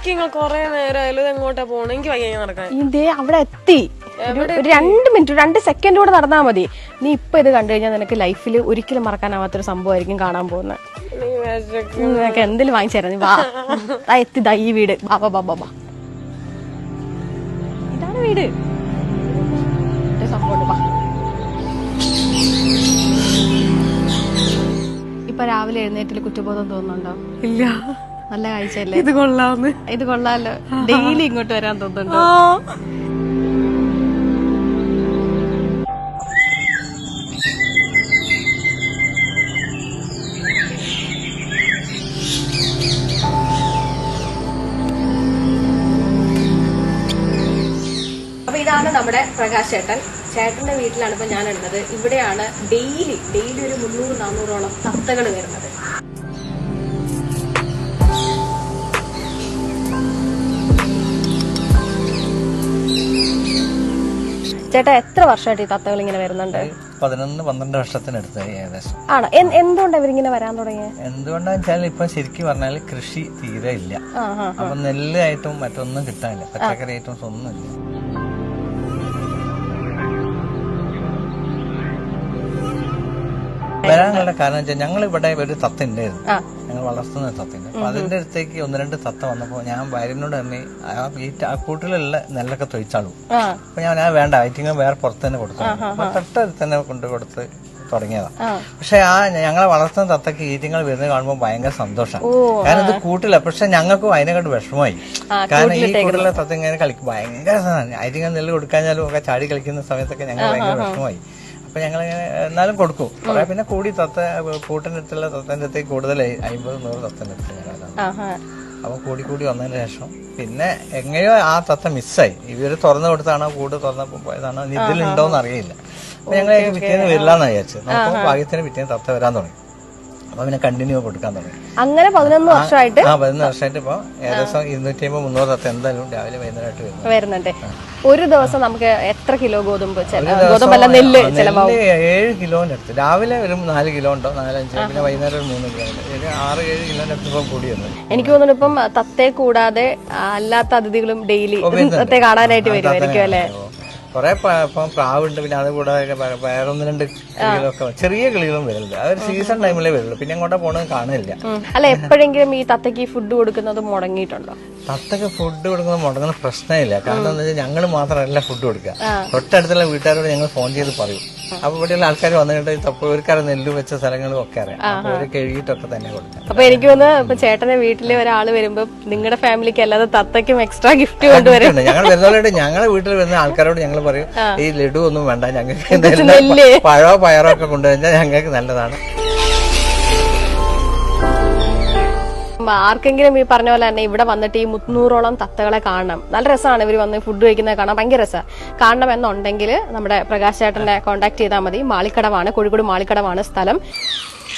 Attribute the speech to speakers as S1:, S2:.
S1: നിങ്ങൾ കൊറേ നേരമായാലും ഇത് എങ്ങോട്ടാ പോണേ? എനിക്ക് വയ്യ നടക്കാൻ.
S2: ഇതേ അവിടെ എത്തി. ഒരു 2 മിനിറ്റ് 2 സെക്കൻഡ് കൂടെ നടന്നാൽ മതി. നീ ഇപ്പൊ ഇത് കണ്ടു കഴിഞ്ഞാൽ നിനക്ക് ലൈഫിൽ ഒരിക്കലും മറക്കാനാവാത്തൊരു സംഭവമായിരിക്കും കാണാൻ പോകുന്നത്. നിനക്ക് എന്തെങ്കിലും വാങ്ങിച്ചു തരാം. നീ വാ, എത്തി. ദാ ഈ വീട്. ബാബാ ബാബാ ബാ, ഇതാണ് വീട്. സംഭവം വാ. ഇപ്പൊ രാവിലെ എഴുന്നേറ്റില് കുറ്റബോധം തോന്നുന്നുണ്ടോ?
S1: ഇല്ല.
S2: നല്ല കാഴ്ചയല്ലേ?
S1: ഇത് കൊള്ളാന്ന്.
S2: ഇത് കൊള്ളാലോ. ഡെയിലി ഇങ്ങോട്ട് വരാൻ തോന്നുന്നുണ്ടോ? അപ്പൊ ഇതാണ് നമ്മുടെ പ്രകാശ് ചേട്ടൻ. ചേട്ടന്റെ വീട്ടിലാണ് ഇപ്പൊ ഞാനുള്ളത്. ഇവിടെയാണ് ഡെയിലി ഒരു 300-400ഓളം തത്തകൾ വരുന്നത്. ചേട്ടാ എത്ര വർഷമായിട്ട് ഈ തത്തകൾ ഇങ്ങനെ വരുന്നുണ്ട്?
S3: 11-12 വർഷത്തിനടുത്തായി ഏകദേശം.
S2: ആണോ? എന്തുകൊണ്ടാണ് ഇവരിങ്ങനെ വരാൻ തുടങ്ങിയത്?
S3: എന്തുകൊണ്ടാന്ന് വെച്ചാൽ ഇപ്പൊ ശരിക്കും പറഞ്ഞാല് കൃഷി തീരെ ഇല്ല. അപ്പൊ നെല്ല് ആയിട്ടും മറ്റൊന്നും കിട്ടാനില്ല, പച്ചക്കറി ഐറ്റംസ് ഒന്നുമില്ല. വരാനുള്ള കാരണം വെച്ചാൽ ഞങ്ങൾ ഇവിടെ ഒരു തത്ത ഉണ്ടായിരുന്നു, ഞങ്ങൾ വളർത്തുന്ന തത്തയുണ്ട്. അപ്പൊ അതിന്റെ അടുത്തേക്ക് 1-2 തത്ത വന്നപ്പോ ഞാൻ ഭാര്യനോട് തന്നെ ആ കൂട്ടിലുള്ള നെല്ലൊക്കെ തൊഴിച്ചാളും. അപ്പൊ ഞാൻ വേണ്ട, ഐറ്റിങ്ങൾ വേറെ പുറത്ത് തന്നെ കൊടുത്തു. അപ്പൊ തൊട്ടടുത്ത് തന്നെ കൊണ്ടു കൊടുത്ത് തുടങ്ങിയതാ. പക്ഷെ ആ ഞങ്ങളെ വളർത്തുന്ന തത്തക്ക് ഈറ്റിങ്ങൾ വരുന്നത് കാണുമ്പോൾ ഭയങ്കര സന്തോഷം. കാരണം ഇത് കൂട്ടില്ല. പക്ഷെ ഞങ്ങൾക്കും അതിനെക്കാട്ട് വിഷമമായി. കാരണം ഈ കൂട്ടിലുള്ള തത്ത ഇങ്ങനെ കളിക്കും ഭയങ്കര ഐറ്റിങ്ങൾ നെല്ല് കൊടുക്കാഞ്ഞാലും ഒക്കെ ചാടി കളിക്കുന്ന സമയത്തൊക്കെ ഞങ്ങൾ ഭയങ്കര വിഷമമായി. അപ്പൊ ഞങ്ങൾ എന്നാലും കൊടുക്കും. കുറെ പിന്നെ കൂടി തത്ത കൂട്ടിന്റെ അടുത്തുള്ള തത്തന്റെ അടുത്തേക്ക് കൂടുതലായി 50-100 തത്തന്റെ അടുത്ത് ഞങ്ങളാണ്. അപ്പൊ കൂടി വന്നതിന് ശേഷം പിന്നെ എങ്ങനെയോ ആ തത്ത മിസ്സായി. ഇവര് തുറന്നു കൊടുത്താണോ കൂട് തുറന്നപ്പോ പോയതാണോ ഇതിലുണ്ടോന്ന് അറിയില്ല. അപ്പൊ ഞങ്ങൾ പിറ്റേന്ന് വരില്ലാന്ന് വിചാരിച്ചു. നമുക്ക് ഭാഗ്യത്തിന് പിറ്റേന്ന് തത്ത വരാൻ തുടങ്ങി. അപ്പൊ പിന്നെ കണ്ടിന്യൂ കൊടുക്കാൻ തുടങ്ങി.
S2: അങ്ങനെ 11 വർഷമായിട്ട്
S3: 11 വർഷമായിട്ട് ഇപ്പൊ ഏകദേശം 250-300 തത്ത എന്തായാലും രാവിലെ വൈകുന്നേരമായിട്ട് വരുന്നുണ്ട്.
S2: ഒരു ദിവസം നമുക്ക് എത്ര കിലോ ഗോതമ്പല്ല നെല്ല്
S3: 7 കിലോന്റെ അടുത്ത്. രാവിലെ ഒരു 4 കിലോ ഉണ്ടോ, 4-5. പിന്നെ വൈകുന്നേരം ഒരു 3 കിലോ ഉണ്ട്. 6-7 കിലോന്റെ അടുത്ത് ഇപ്പം കൂടി വന്നു.
S2: എനിക്ക് തോന്നുന്നു ഇപ്പം തത്തയെ കൂടാതെ അല്ലാത്ത അതിഥികളും ഡെയിലി തത്തയെ കാണാനായിട്ട് വരുമായിരിക്കും അല്ലെ?
S3: കുറെ ഇപ്പം പ്രാവുണ്ട്. പിന്നെ അത് കൂടാതെ വേറെ 1-2 കിളികളൊക്കെ ചെറിയ കിളികളും വരുന്നുണ്ട്. അതൊരു സീസൺ ടൈമിലേ വരുള്ളൂ. പിന്നെ അങ്ങോട്ടാ പോണത് കാണില്ല.
S2: അല്ല എപ്പോഴെങ്കിലും ഈ തത്തക്ക് ഫുഡ് കൊടുക്കുന്നത് മുടങ്ങിയിട്ടുണ്ടോ?
S3: തത്തക്ക് ഫുഡ് കൊടുക്കുന്നത് മുടങ്ങുന്ന പ്രശ്നമില്ല. കാരണം എന്താ വെച്ചാൽ ഞങ്ങൾ മാത്രമല്ല ഫുഡ് കൊടുക്കുക. തൊട്ടടുത്തുള്ള വീട്ടുകാരോട് ഞങ്ങൾ ഫോൺ ചെയ്ത് പറയും. അപ്പൊ ഇവിടെയുള്ള ആൾക്കാർ വന്നിട്ട് തപ്പൂർക്കാരെ നെല്ല് വെച്ച സ്ഥലങ്ങളും ഒക്കെ അറിയാം. അപ്പൊ അവര് കഴുകിയിട്ടൊക്കെ തന്നെ കൊടുക്കാം.
S2: അപ്പൊ എനിക്ക് തോന്നുന്നു ഇപ്പൊ ചേട്ടന്റെ വീട്ടിലെ ഒരാള് വരുമ്പോ നിങ്ങളുടെ ഫാമിലിക്ക് അല്ലാതെ തത്തയ്ക്കും എക്സ്ട്രാ ഗിഫ്റ്റ് കൊണ്ടുവരും.
S3: ഞങ്ങൾ വരുന്നവരോട് ഞങ്ങളുടെ വീട്ടിൽ വരുന്ന ആൾക്കാരോട് ഞങ്ങൾ പറയും ഈ ലഡു ഒന്നും വേണ്ട, ഞങ്ങൾക്ക് പഴോ പയറോ ഒക്കെ കൊണ്ടുവന്നാൽ ഞങ്ങൾക്ക് നല്ലതാണ്.
S2: ആർക്കെങ്കിലും ഈ പറഞ്ഞ പോലെ തന്നെ ഇവിടെ വന്നിട്ട് ഈ 300ഓളം തത്തകളെ കാണണം. നല്ല രസമാണ് ഇവർ വന്ന് ഫുഡ് കഴിക്കുന്നത് കാണാൻ ഭയങ്കര രസമാണ്. കാണണം എന്നുണ്ടെങ്കിൽ നമ്മുടെ പ്രകാശ് ചേട്ടനെ കോൺടാക്ട് ചെയ്താൽ മതി. മാളിക്കടവാണ്, കോഴിക്കോട് മാളിക്കടവാണ് സ്ഥലം.